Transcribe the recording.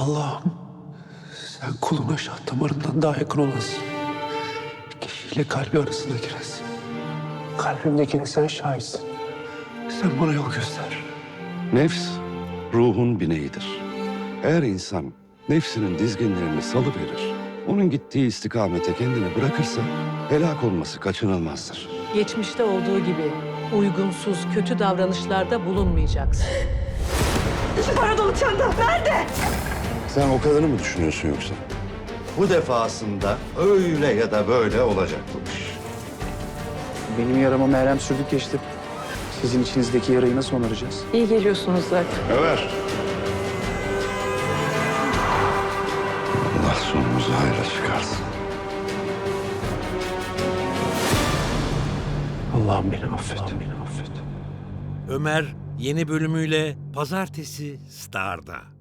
Allah'ım sen kuluna şah damarından daha yakın olasın. Kişiyle kalbi arasına giresin. Kalbimdekine sen şahitsin. Sen bana yol göster. Nefs, ruhun bineğidir. Eğer insan nefsinin dizginlerini salıverir, onun gittiği istikamete kendini bırakırsa helak olması kaçınılmazdır. Geçmişte olduğu gibi uygunsuz, kötü davranışlarda bulunmayacaksın. Para dolu çanta nerede? Sen o kadarını mı düşünüyorsun yoksa? Bu defasında öyle ya da böyle olacak bu iş. Benim yarama merhem sürdük geçti. Sizin içinizdeki yarayı nasıl onaracağız? İyi geliyorsunuz zaten. Ömer. Allah sonumuzu hayra çıkarsın. Allah'ım beni affet. Beni affet. Ömer yeni bölümüyle Pazartesi Star'da.